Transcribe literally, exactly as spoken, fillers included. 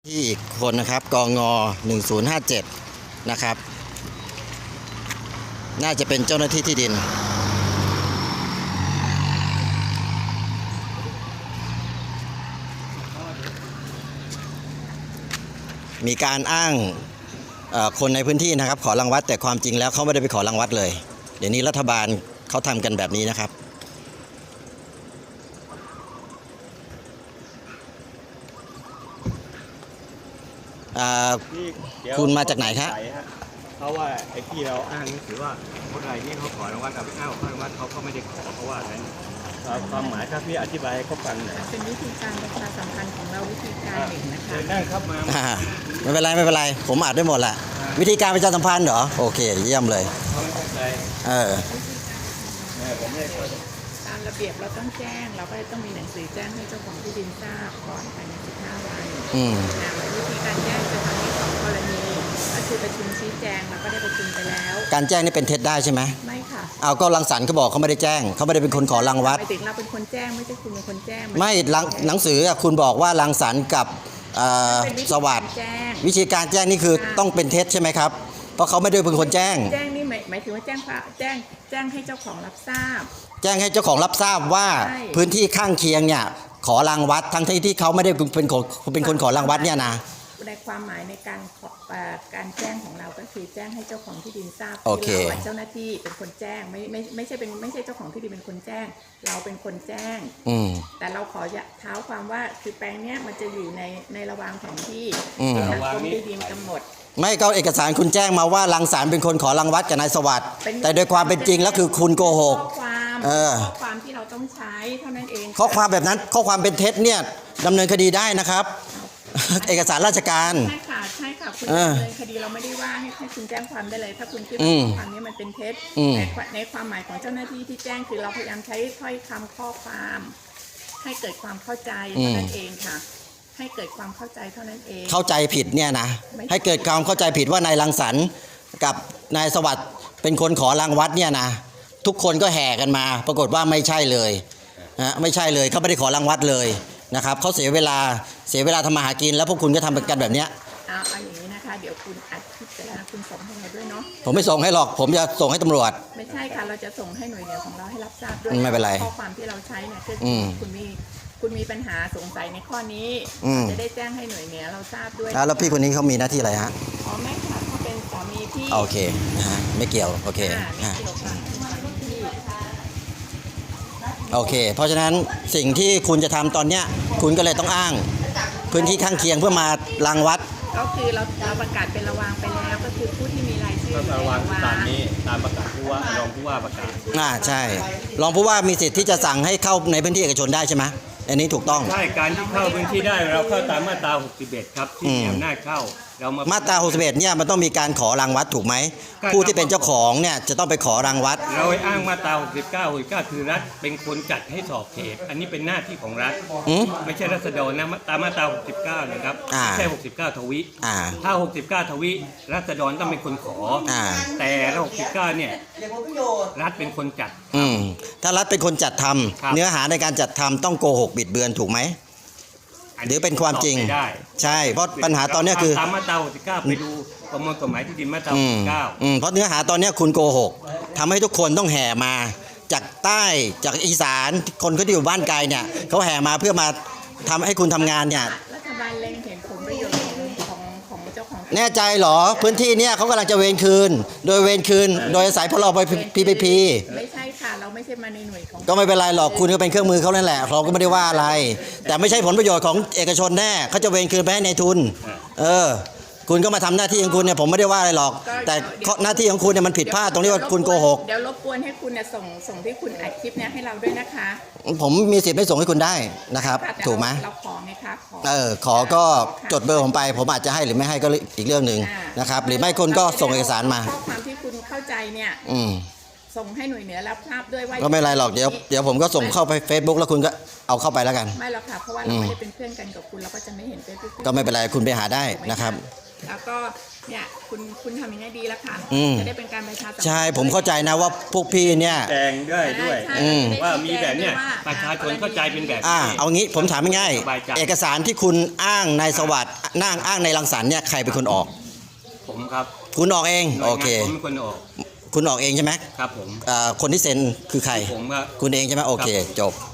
ที่อีกคนนะครับกงหนึ่งศูนย์ห้าเจ็ดนะครับน่าจะเป็นเจ้าหน้าที่ที่ดินมีการอ้างคนในพื้นที่นะครับขอรังวัดแต่ความจริงแล้วเขาไม่ได้ไปขอรังวัดเลยเดี๋ยวนี้รัฐบาลเขาทำกันแบบนี้นะครับคุณมาจากไหนครับเพราะว่าไอ้ที่เราอ้างนี่ถือว่าคนไรนี่เขาขอรางวัลกับอ้าวรางวัลเขาก็ไม่ได้ขอเพราะว่าอะไรความหมายถ้าพี่อธิบายให้เขาฟังหน่อยเป็นวิธีการประชาสัมพันธ์ของเราวิธีการหนึ่งนะคะนั่งครับมาไม่เป็นไรไม่เป็นไรผมอ่านได้หมดแหละวิธีการประชาสัมพันธ์เหรอโอเคเยี่ยมเลยเออตามระเบียบเราต้องแจ้งเราก็ต้องมีหนังสือแจ้งให้เจ้าของที่ดินทราบก่อนภายในสิบห้าวันวิธีการแจ้งจะทำให้สองกรณีก็คือประชุมชี้แจงเราก็ได้ประชุมไปแล้วการแจ้งนี่เป็นเท็จได้ใช่ไหมไม่ค่ะเอาก็รังสรรค์เขาบอกเขาไม่ได้แจ้งเขาไม่ได้เป็นคนขอรังวัดหมายถึงเราเป็นคนแจ้งไม่ใช่คุณเป็นคนแจ้งไม่หนังสือคุณบอกว่ารังสรรค์กับสวัสดิ์วิธีการแจ้งนี่คือต้องเป็นเท็จใช่ไหมครับเพราะเขาไม่ได้เป็นคนแจ้งแจ้งนี่หมายถึงว่าแจ้งแจ้งแจ้งให้เจ้าของรับทราบแจ้งให้เจ้าของรับทราบว่าพื้นที่ข้างเคียงเนี่ยขอรังวัดทั้งที่ที่เขาไม่ได้เป็นคนเป็นคนขอรังวัดเนี่ยนะในความหมายในการการแจ้งของเราก็คือแจ้งให้เจ้าของที่ดินทราบที่เราเจ้าหน้าที่เป็นคนแจ้งไม่ไม่ไม่ใช่เป็นไม่ใช่เจ้าของที่ดินเป็นคนแจ้งเราเป็นคนแจ้งแต่เราขอเท้าความว่าคือแปลงเนี้ยมันจะอยู่ในในระวางแผนที่ที่ทางกรมที่ดินกำหนดไม่ก็เอกสารคุณแจ้งมาว่ารังสรรค์เป็นคนขอรังวัดกับนายสวัสดิ์แต่โดยความเป็นจริงแล้วคือคุณโกหกข้อความข้อความที่เราต้องใช้เท่านั้นเองข้อความแบบนั้นข้อความเป็นเท็จเนี่ยดำเนินคดีได้นะครับเอกสารราชการใช่ค่ะใช่ค่ะคุณดำเนินคดีเราไม่ได้ว่าให้ให้คุณแจ้งความได้เลยถ้าคุณคิดว่าข้อความนี้มันเป็นเท็จในความหมายของเจ้าหน้าที่ที่แจ้งคือเราพยายามใช้ถ้อยคำข้อความให้เกิดความเข้าใจเท่านั้นเองค่ะให้เกิดความเข้าใจเท่านั้นเองเข้าใจผิดเนี่ยนะให้เกิดความเข้าใจผิดว่านายรังสรรค์กับนายสวัสดิ์เป็นคนขอรังวัดเนี่ยนะทุกคนก็แห่กันมาปรากฏว่าไม่ใช่เลยนะไม่ใช่เลยเขาไม่ได้ขอรังวัดเลยนะครับเขาเสียเวลาเสียเวลาทำมาหากินแล้วพวกคุณก็ทำกันแบบเนี้ยเอาเอาอย่างนี้นะคะเดี๋ยวคุณอัดคลิปเสร็จแล้วคุณส่งให้เราด้วยเนาะผมไม่ส่งให้หรอกผมจะส่งให้ตำรวจไม่ใช่ค่ะเราจะส่งให้หน่วยงานของเราให้รับทราบด้วยไม่เป็นไรข้อความที่เราใช้เนี่ยคือคุณมีคุณมีปัญหาสงสัยในข้อนี้จะได้แจ้งให้หน่วยงานเราทราบด้วยแล้วพี่คนนี้เขามีหน้าที่อะไรฮะอ๋อไม่ค่ะเขาเป็นสามีพี่โอเคนะฮะไม่เกี่ยวโอเคโอเคเพราะฉะนั้นสิ่งที่คุณจะทำตอนเนี้ยคุณก็เลยต้องอ้างพื้นที่ข้างเคียงเพื่อมารังวัดก็คือเราเราประกาศเป็นระวางไปแล้วก็คือผู้ที่มีรายชื่อระวางตามนี้ตามประกาศผู้ว่ารองผู้ว่าประกาศอ่าใช่รองผู้ว่ามีสิทธิ์ที่จะสั่งให้เข้าในพื้นที่เอกชนได้ใช่ไหมอันนี้ถูกต้องใช่การที่เข้าพื้นที่ได้เราเข้าตามมาตราหกสิบเอ็ดครับที่มีอำนาจเข้าเรามาตราหกสิบเอ็ดเนี่ยมันต้องมีการขอรังวัดถูกไหมผู้ที่เป็นเจ้าของเนี่ยจะต้องไปขอรังวัดเราอ้างมาตราหกสิบเก้า หกสิบเก้าคือรัฐเป็นคนจัดให้สอบเขตอันนี้เป็นหน้าที่ของรัฐไม่ใช่รัษฎรนะตามมาตราหกสิบเก้านะครับไม่ใช่หกสิบเก้าทวิถ้าหกสิบเก้าทวิรัษฎรต้องเป็นคนขอแต่หกสิบเก้าเนี่ยรัฐเป็นคนจัดถ้ารัฐเป็นคนจัดทำเนื้อหาในการจัดทำต้องโกหกบิดเบือนถูกไหมหรือเป็นความจริงใช่เพราะปัญหาตอนนี้คือตามมาตราหกสิบเก้าไปดูประมวลกฎหมายที่ดินมาตราหกสิบเก้าเพราะเนื้อหาตอนนี้คุณโกหกทำให้ทุกคนต้องแห่มาจากใต้จากอีสานคนเขาที่อยู่บ้านไกลเนี่ยเขาแห่มาเพื่อมาทำให้คุณทำงานเนี่ยรัฐบาลเล็งเห็นผลประโยชน์ของของเจ้าของแน่ใจเหรอพื้นที่เนี่ยเขากำลังจะเวรคืนโดยเวรคืนโดยอาศัยพลไปพีพีพีไม่ใช่ค่ะเราไม่ใช่มาในหน่วยของก็ไม่เป็นไรหรอกคุณก็เป็นเครื่องมือเขานั่นแหละเราก็ไม่ได้ว่าอะไรแต่ไม่ใช่ผลประโยชน์ของเอกชนแน่เขาจะเวรคืนไปให้ในทุนเออคุณก็มาทำหน้าที่ของคุณเนี่ยผมไม่ได้ว่าอะไรหรอกแต่หน้าที่ของคุณเนี่ยมันผิดพลาดตรงที่ว่าคุณโกหกเดี๋ยวรบกวนให้คุณเนี่ยส่งส่งที่คุณอัดคลิปเนี่ยให้เราด้วยนะคะผมมีสิทธิ์ไม่ส่งให้คุณได้นะครับถูกไหมเราขอไงคะขอเออขอก็จดเบอร์ผมไปผมอาจจะให้หรือไม่ให้ก็อีกเรื่องหนึ่งนะครับหรือไม่คุณก็ส่งเอกสารมาข้อความที่คุณเข้าใจเนี่ยส่งให้หน่วยเหนือรับทราบด้วยว่าก็ไม่ไรหรอกเดี๋ยวเดี๋ยวผมก็ส่งเข้าไป Facebook แล้วคุณก็เอาเข้าไปแล้วกันไม่หรอกค่ะเพราะว่าเราไม่ได้เป็นเพื่อนกันกับคุณเราก็จะไม่เห็นเฟซบุ๊กก็ไม่เป็นไรคุณไปหาได้นะครับแล้วก็เนี่ยคุณคุณทำอย่างนี้ดีแล้วค่ะอืมจะได้เป็นการประชาสัมพันธ์ใช่ผมเข้าใจนะว่าพวกพี่เนี่ยแจงด้วยด้วยใช่อืมว่ามีแบบเนี้ยว่าประชาชนเข้าใจเป็นแบบอ่านี้เอางี้ผมถามง่ายสบายใจๆเอกสารที่คุณอ้างนายสวัสดิ์นั่งอ้างในรังสรรค์เนี่ยใครเป็นคนออกผมครับคุณออกเองหน่วยงานโอเคผมเป็นคนออกคุณออกเองใช่ไหมครับผมอ่าคนที่เซ็นคือใครผมก็คุณเองใช่ไหมโอเคครับผมจบ